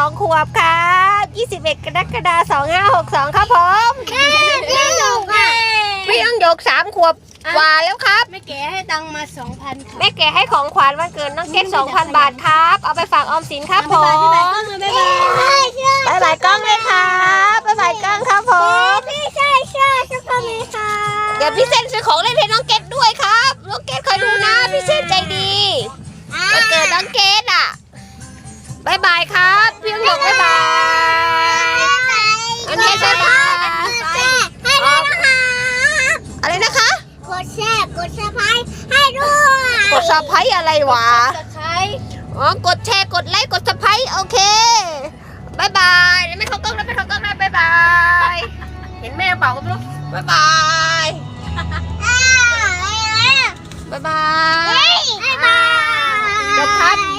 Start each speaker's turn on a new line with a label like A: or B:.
A: 2 ขวบครับ21 กรกฎาคม 2562ครับผม
B: พี่หยกอ่ะ
A: พี่ต้องยก3 ขวบกว่าแล้วครับ
B: แม่แกให้ตังค์มา 2,000 ค่ะ
A: แม่แกให้ของขวัญวันเกิดน้องเกด 2,000 บาทครับ เอาไปฝากออมสินครับผม
B: บ๊ายบายก็เลยบ๊ายบาย
A: บ๊ายบายกล้องเลยครับบ๊ายบายกล้องครับผม
B: พี่ใช่ทุกคนเลยค่ะ
A: เดี๋ยวพี่เซนซื้อของเล่นให้น้องเกดด้วยครับน้องเกดคอยดูนะพี่เซนใจดีวันเกิดน้องเกดอ่ะบ๊ายบายครับพี่ต้องยกบ๊ายบายอันนี้บ๊ายบาย
B: ให้ด้วยนะคะ
A: อะไรนะคะ
B: กดแชร์กดซับสไครต์ให้ด้วย
A: กดซับไพรส์อะไรวะ
B: ซับสไครต์
A: อ๋อกดแชร์กดไลค์กดซับไพรส์โอเคบายบายเดี๋ยวไม่เข้ากล้องนะไม่เข้ากล้องนะบายบายเห็นแม่เปล่าก็ไม่รู้บายบายบายบาย
B: บ๊ายบาย
A: จบครับ